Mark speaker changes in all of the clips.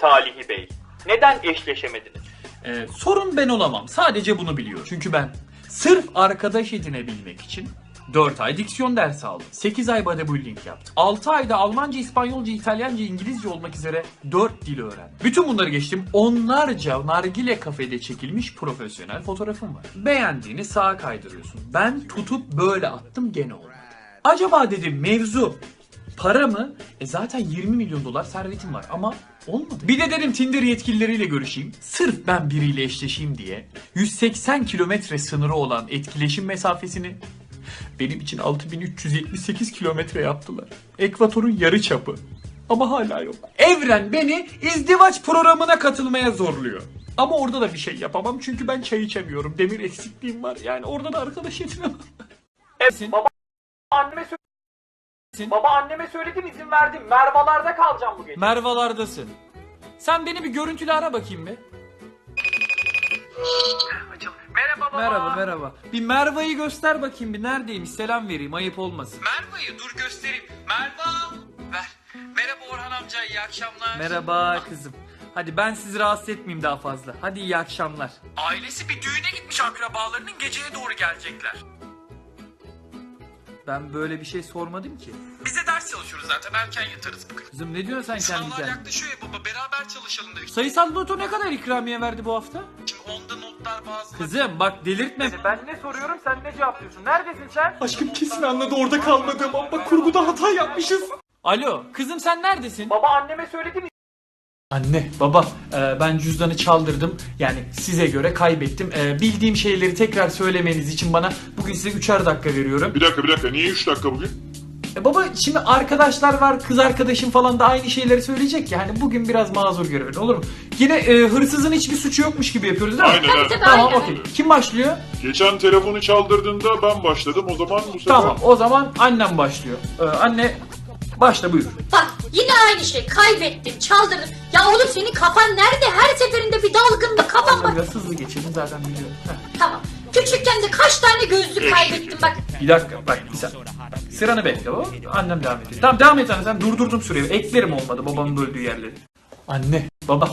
Speaker 1: Talihi Bey. Neden eşleşemediniz?
Speaker 2: Sorun ben olamam. Sadece bunu biliyor. Çünkü ben sırf arkadaş edinebilmek için 4 ay diksiyon dersi aldım. 8 ay bodybuilding yaptım. 6 ayda Almanca, İspanyolca, İtalyanca, İngilizce olmak üzere 4 dil öğrendim. Bütün bunları geçtim. Onlarca nargile kafede çekilmiş profesyonel fotoğrafım var. Beğendiğini sağa kaydırıyorsun. Ben tutup böyle attım, gene oldu. Acaba dedim mevzu para mı? Zaten 20 milyon dolar servetim var ama olmadı. Bir de dedim Tinder yetkilileriyle görüşeyim. Sırf ben biriyle eşleşeyim diye 180 kilometre sınırı olan etkileşim mesafesini benim için 6378 kilometre yaptılar. Ekvatorun yarı çapı. Ama hala yok. Evren beni izdivaç programına katılmaya zorluyor. Ama orada da bir şey yapamam çünkü ben çay içemiyorum. Demir eksikliğim var. Yani orada da arkadaş edinemem.
Speaker 1: Evet, Baba anneme söyledim, izin verdim. Mervalarda kalacağım bu gece.
Speaker 2: Mervalardasın. Sen beni bir görüntülü ara bakayım bir.
Speaker 1: Merhaba baba.
Speaker 2: Merhaba. Bir Merva'yı göster bakayım bir, neredeymiş, selam vereyim, ayıp olmasın. Merva'yı dur göstereyim. Merva. Ver. Merhaba Orhan amca, iyi akşamlar. Merhaba kızım. Hadi ben sizi rahatsız etmeyeyim daha fazla. Hadi iyi akşamlar. Ailesi bir düğüne gitmiş, akrabalarının geceye doğru gelecekler. Ben böyle bir şey sormadım ki.
Speaker 3: Biz de ders çalışıyoruz zaten, erken yatarız bugün.
Speaker 2: Kızım ne diyorsun sen kendi
Speaker 3: Sınavlar
Speaker 2: kendine?
Speaker 3: yaklaşıyor ya baba, beraber çalışalım dedik.
Speaker 2: Sayısal loto ne kadar ikramiye verdi bu hafta?
Speaker 3: Şimdi onda notlar bazıları...
Speaker 2: Kızım bak delirtme.
Speaker 1: Ben ne soruyorum, sen ne cevaplıyorsun? Neredesin sen?
Speaker 2: Aşkım kesin anladı orada kalmadığım ama kurguda hata yapmışız. Alo kızım, sen neredesin?
Speaker 1: Baba anneme söyledim.
Speaker 2: Anne, baba, ben cüzdanı çaldırdım. Yani size göre kaybettim. Bildiğim şeyleri tekrar söylemeniz için bana bugün size 3'er dakika veriyorum.
Speaker 4: Bir dakika. Niye 3 dakika bugün?
Speaker 2: Baba şimdi arkadaşlar var, kız arkadaşım falan da aynı şeyleri söyleyecek ya. Hani bugün biraz mazur görün, olur mu? Yine hırsızın hiçbir suçu yokmuş gibi yapıyoruz değil mi?
Speaker 4: Aynen.
Speaker 2: Tamam, okey. Kim başlıyor?
Speaker 4: Geçen telefonu çaldırdığında ben başladım. O zaman bu sefer...
Speaker 2: Tamam, o zaman annem başlıyor. Anne, başla buyur.
Speaker 5: Bak yine aynı şey, kaybettim, çaldırdım. Ya oğlum senin kafan nerede? Her seferinde bir dalgınlık, kafan var.
Speaker 2: Biraz hızlı geçelim zaten biliyorum.
Speaker 5: Tamam. Küçükken de kaç tane gözlük kaybettim bak.
Speaker 2: Bir dakika bak, bir saniye. Sıranı bekle baba. Annem devam ediyor. Tamam devam et anne, sen durdurdum süreyi. Eklerim olmadı babamın böldüğü yerleri. Anne, baba.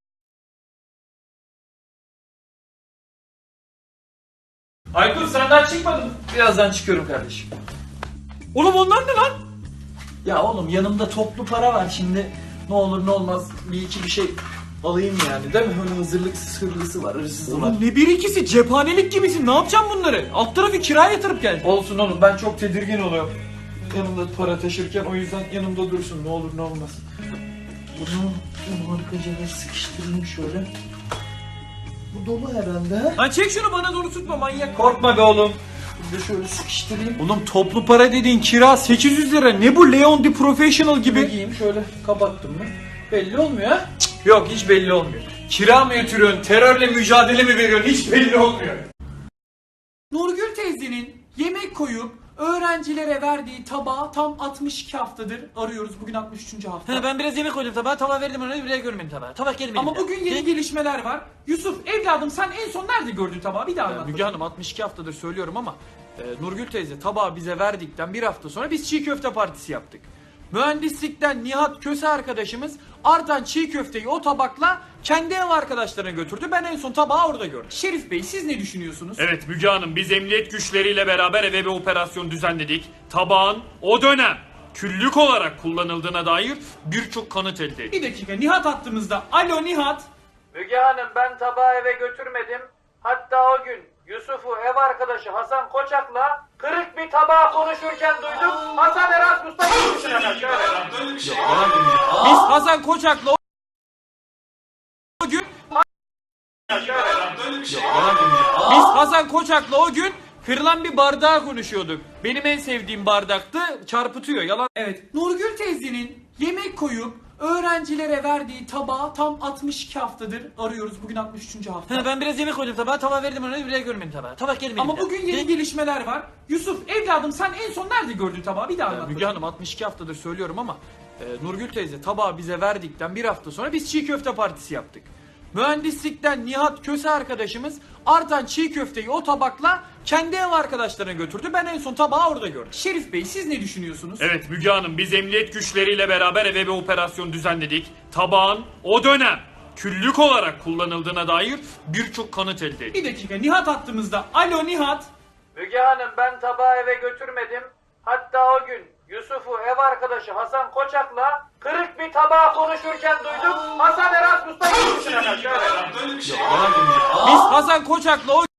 Speaker 2: Aykut sen daha çıkmadın mı? Birazdan çıkıyorum kardeşim. Oğlum onlar ne lan? Ya oğlum yanımda toplu para var şimdi. Ne olur ne olmaz bir iki bir şey alayım yani, değil mi? Hani hazırlıksız hırlısı var, hırsızı var.
Speaker 6: Oğlum ne bir ikisi, cephanelik gibisin, ne yapacağım bunları? Alt tarafı kiraya yatırıp gel.
Speaker 2: Olsun oğlum, ben çok tedirgin oluyorum yanımda para taşırken, o yüzden yanımda dursun, ne olur ne olmaz. Bunu arkaca sıkıştırayım şöyle. Bu dolu herhalde.
Speaker 6: Lan çek şunu, bana doğru tutma manyak.
Speaker 2: Korkma be oğlum. Bir de şöyle sıkıştırayım.
Speaker 6: Oğlum toplu para dediğin kira 800 lira, ne bu Leon the Professional gibi?
Speaker 2: Giyeyim şöyle, kapattım mı? Belli olmuyor ha? Cık, yok hiç belli olmuyor. Kira mı yatırıyorsun, terörle mücadele mi veriyorsun, hiç belli olmuyor.
Speaker 6: Nurgül teyzenin yemek koyup öğrencilere verdiği tabağı tam 62 haftadır arıyoruz. Bugün 63. hafta.
Speaker 2: Ben biraz yemek koydum tabağa, tava verdim ona, bile görmedim tabağı. Tabak gelmedi.
Speaker 6: Ama bugün yeni gelişmeler var. Yusuf evladım, sen en son nerede gördün tabağı? Bir daha anlat.
Speaker 2: Müge Hanım 62 haftadır söylüyorum ama Nurgül teyze tabağı bize verdikten bir hafta sonra biz çiğ köfte partisi yaptık. Mühendislikten Nihat Köse arkadaşımız artan çiğ köfteyi o tabakla kendi ev arkadaşlarına götürdü. Ben en son tabağı orada gördüm.
Speaker 6: Şerif Bey, siz ne düşünüyorsunuz?
Speaker 7: Evet Müge Hanım, biz emniyet güçleriyle beraber eve bir operasyon düzenledik. Tabağın o dönem küllük olarak kullanıldığına dair birçok kanıt elde ettik.
Speaker 6: Bir dakika, Nihat hattımızda. Alo Nihat.
Speaker 1: Müge Hanım, ben tabağı eve götürmedim. Hatta o gün Yusuf'u ev arkadaşı Hasan Koçak'la kırık bir tabağı konuşurken duydum. Hasan Erasmus'ta gitmişsin hemen şöyle.
Speaker 6: Biz Hasan Koçak'la o gün Biz Hasan Koçak'la o gün kırılan bir bardağı konuşuyorduk. Benim en sevdiğim bardaktı. Çarpıtıyor. Yalan. Evet. Nurgül teyzenin yemek koyup öğrencilere verdiği tabağı tam 62 haftadır arıyoruz. Bugün 63. hafta.
Speaker 2: Ben biraz yemek koydum tabağa, tava verdim ona, bile görmedim tabağı. Tabak gelmedi.
Speaker 6: Ama bugün yeni gelişmeler var. Yusuf evladım, sen en son nerede gördün tabağı? Bir daha anlat.
Speaker 2: Müge Hanım 62 haftadır söylüyorum ama Nurgül teyze tabağı bize verdikten bir hafta sonra biz çiğ köfte partisi yaptık.
Speaker 6: Mühendislikten Nihat Köse arkadaşımız artan çiğ köfteyi o tabakla kendi ev arkadaşlarına götürdü. Ben en son tabağı orada gördüm. Şerif Bey siz ne düşünüyorsunuz?
Speaker 7: Evet Müge Hanım, biz emniyet güçleriyle beraber eve bir operasyon düzenledik. Tabağın o dönem küllük olarak kullanıldığına dair birçok kanıt elde ettik.
Speaker 6: Bir dakika, Nihat hattımızda. Alo Nihat.
Speaker 1: Müge Hanım, ben tabağı eve götürmedim. Hatta o gün Yusuf'u ev arkadaşı Hasan Koçak'la kırık bir tabağı konuşurken duydum. Hasan Erasmus'ta gitmişsin hemen. Şöyle.
Speaker 6: Biz Hasan Koçak'la o